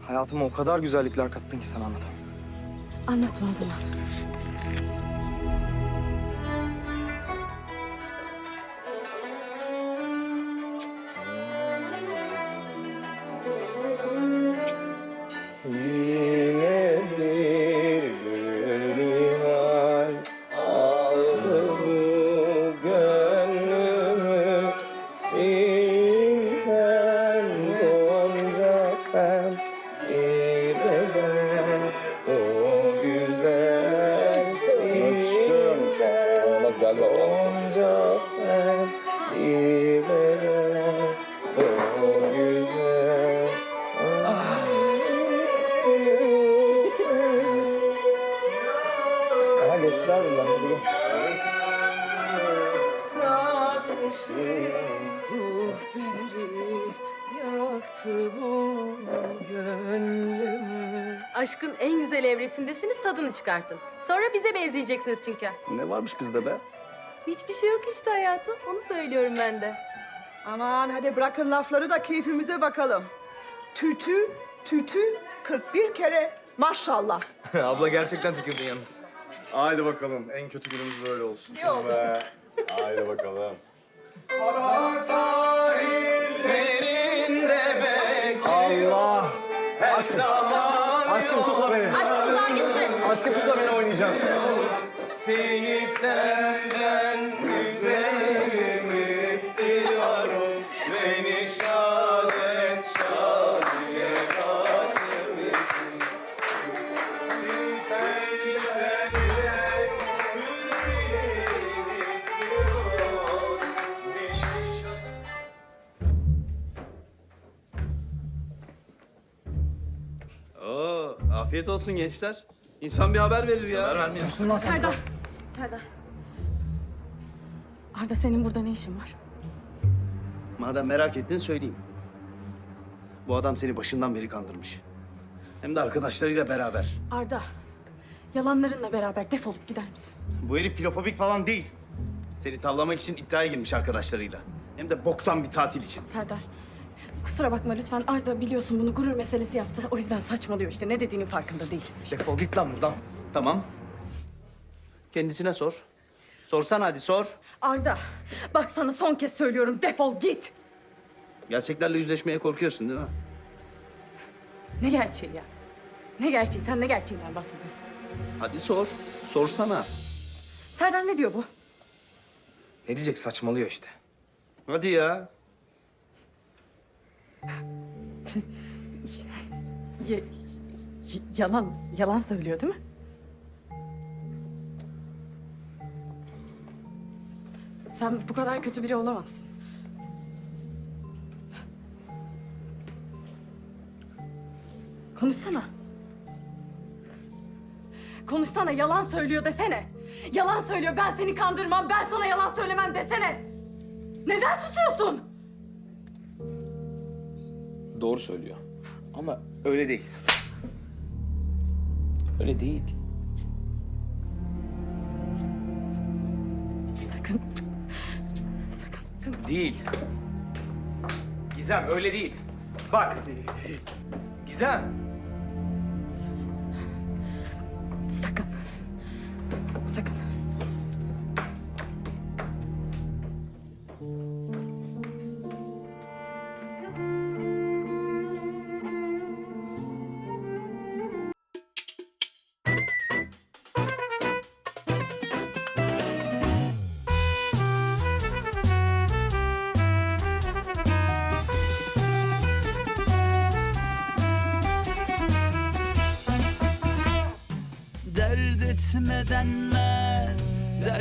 Hayatıma o kadar güzellikler kattın ki sana anlatamam. Anlatma o zaman. Yine bir gülbihar aldı bu gönlümü, sinten gonca ben bir beden o güzel sinten gonca ben bir beden o güzel. Aha geçtiler bunlar. Ateşi ruhberi yaktı bu gönlümü. Aşkın en güzel evresindesiniz, tadını çıkartın. Sonra bize benzeyeceksiniz çünkü. Ne varmış bizde be? Hiçbir şey yok işte hayatım. Onu söylüyorum ben de. Aman hadi bırakın lafları da keyfimize bakalım. Tütü, tütü 41 kere maşallah. Abla gerçekten tükürdün yalnız. Haydi bakalım. En kötü günümüz böyle olsun. İyi oldu. Be. Haydi bakalım. Allah! Aşkım tutma beni. Aşkım uzağa gitme. Aşkım tutma beni oynayacağım. Seni senden güzelim istiyorum. Beni şad et şadiye başım için. Seni senden güzelim istiyorum. Oo, afiyet olsun gençler. İnsan bir haber verir ya. Haber vermiyorsun lan sen. Serdar. Serdar. Arda senin burada ne işin var? Madem merak ettin söyleyeyim. Bu adam seni başından beri kandırmış. Hem de arkadaşlarıyla beraber. Arda. Yalanlarınla beraber defolup gider misin? Bu herif filofobik falan değil. Seni tavlamak için iddiaya girmiş arkadaşlarıyla. Hem de boktan bir tatil için. Serdar. Kusura bakma lütfen. Arda biliyorsun bunu gurur meselesi yaptı. O yüzden saçmalıyor işte. Ne dediğinin farkında değil. Defol git lan buradan. Tamam. Kendisine sor. Sorsan hadi sor. Arda. Bak sana son kez söylüyorum. Defol git. Gerçeklerle yüzleşmeye korkuyorsun değil mi? Ne gerçeği ya? Ne gerçeği? Sen ne gerçeğinden bahsediyorsun? Hadi sor. Sorsana. Serdar ne diyor bu? Ne diyecek, saçmalıyor işte. Hadi ya. Yalan söylüyor değil mi? Sen bu kadar kötü biri olamazsın. Konuşsana. Konuşsana, yalan söylüyor desene. Yalan söylüyor, ben seni kandırmam, ben sana yalan söylemem desene. Neden susuyorsun? Doğru söylüyor. Ama öyle değil. Öyle değil. Sakın. Sakın. Değil. Gizem öyle değil. Bak. Gizem. Sakın. Sakın. Dert etme denmez